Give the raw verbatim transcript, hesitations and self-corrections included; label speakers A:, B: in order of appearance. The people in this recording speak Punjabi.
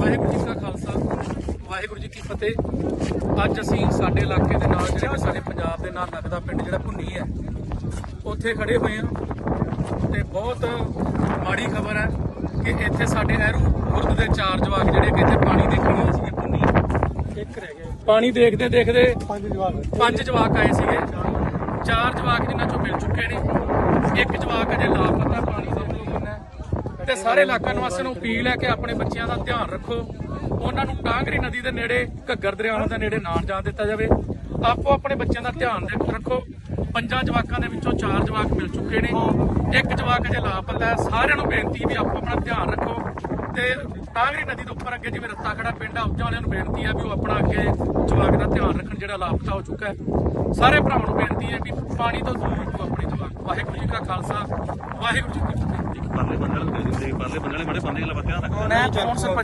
A: ਵਾਹਿਗੁਰੂ ਜੀ ਕਾ ਖਾਲਸਾ ਵਾਹਿਗੁਰੂ ਜੀ ਕੀ ਫਤਿਹ। ਅੱਜ ਅਸੀਂ ਸਾਡੇ ਇਲਾਕੇ ਦੇ ਨਾਲ ਜਿਹੜੇ ਸਾਡੇ ਪੰਜਾਬ ਦੇ ਨਾਲ ਲੱਗਦਾ ਪਿੰਡ ਜਿਹੜਾ ਭੁੰਨੀ ਹੈ ਉੱਥੇ ਖੜੇ ਹੋਏ ਹਾਂ ਤੇ ਬਹੁਤ ਮਾੜੀ ਖਬਰ ਹੈ ਕਿ ਇੱਥੇ ਸਾਡੇ ਐਰੂ ਖੁਰਦ ਦੇ ਚਾਰ ਜਵਾਕ ਜਿਹੜੇ ਕਿ ਇੱਥੇ ਪਾਣੀ ਦੇਖਣ ਆਏ ਸੀਗੇ ਭੁੰਨੀ ਇੱਕ ਰਹਿ ਗਏ। ਪਾਣੀ ਦੇਖਦੇ ਦੇਖਦੇ ਪੰਜ ਜਵਾਕ ਪੰਜ ਜਵਾਕ ਆਏ ਸੀਗੇ। ਚਾਰ ਜਵਾਕ ਜਿਨ੍ਹਾਂ ਚੋਂ ਮਿਲ ਚੁੱਕੇ ਨੇ, ਇੱਕ ਜਵਾਕ ਅਜੇ ਲਾਪਤਾ ਪਾਣੀ ਦੇ ਵਿੱਚ। ਤੇ ਸਾਰੇ ਇਲਾਕਾ ਨਿਵਾਸੀਆਂ ਨੂੰ ਅਪੀਲ ਹੈ ਕਿ ਆਪਣੇ ਬੱਚਿਆਂ ਦਾ ਧਿਆਨ ਰੱਖੋ, ਉਹਨਾਂ ਨੂੰ ਟਾਂਗਰੀ ਨਦੀ ਦੇ ਨੇੜੇ, ਘੱਗਰ ਦਰਿਆਵਾਂ ਦੇ ਨੇੜੇ ਨਾ ਜਾਣ ਦਿੱਤਾ ਜਾਵੇ। ਆਪੋ ਆਪਣੇ ਬੱਚਿਆਂ ਦਾ ਧਿਆਨ ਰੱਖੋ। ਪੰਜਾਂ ਜਵਾਕਾਂ ਦੇ ਵਿੱਚੋਂ ਚਾਰ ਜਵਾਕ ਮਿਲ ਚੁੱਕੇ ਨੇ, ਇੱਕ ਜਵਾਕ ਅਜੇ ਲਾਪਤਾ ਹੈ। ਸਾਰਿਆਂ ਨੂੰ ਬੇਨਤੀ ਵੀ ਆਪੋ ਆਪਣਾ ਧਿਆਨ ਰੱਖੋ ਤੇ ਟਾਂਗਰੀ ਨਦੀ ਦੇ ਉੱਪਰ ਅੱਗੇ ਜਿਵੇਂ ਰੱਤਾ ਖੜਾ ਪਿੰਡ ਆ ਉੱਚਾਂ ਵਾਲਿਆਂ ਨੂੰ ਬੇਨਤੀ ਹੈ ਵੀ ਉਹ ਆਪਣਾ ਅੱਗੇ ਜਵਾਕ ਦਾ ਧਿਆਨ ਰੱਖਣ ਜਿਹੜਾ ਲਾਪਤਾ ਹੋ ਚੁੱਕਾ ਹੈ। ਸਾਰੇ ਭਰਾਵਾਂ ਨੂੰ ਬੇਨਤੀ ਹੈ ਵੀ ਪਾਣੀ ਤੋਂ ਦੂਰ ਰੱਖੋ ਆਪਣੇ ਜਵਾਕ। ਵਾਹਿਗੁਰੂ ਜੀ ਕਾ ਖਾਲਸਾ ਵਾਹਿਗੁਰੂ ਜੀ ਕੀ ਫਤਿਹ।
B: ਪਰਲੇ ਬੰਦਲ ਪਰਲੇ ਬੰਦਲ ਮਾੜੇ ਬੰਦੇ ਵਾਲਾ ਧਿਆਨ ਰੱਖਣਾ।
A: ਮੈਂ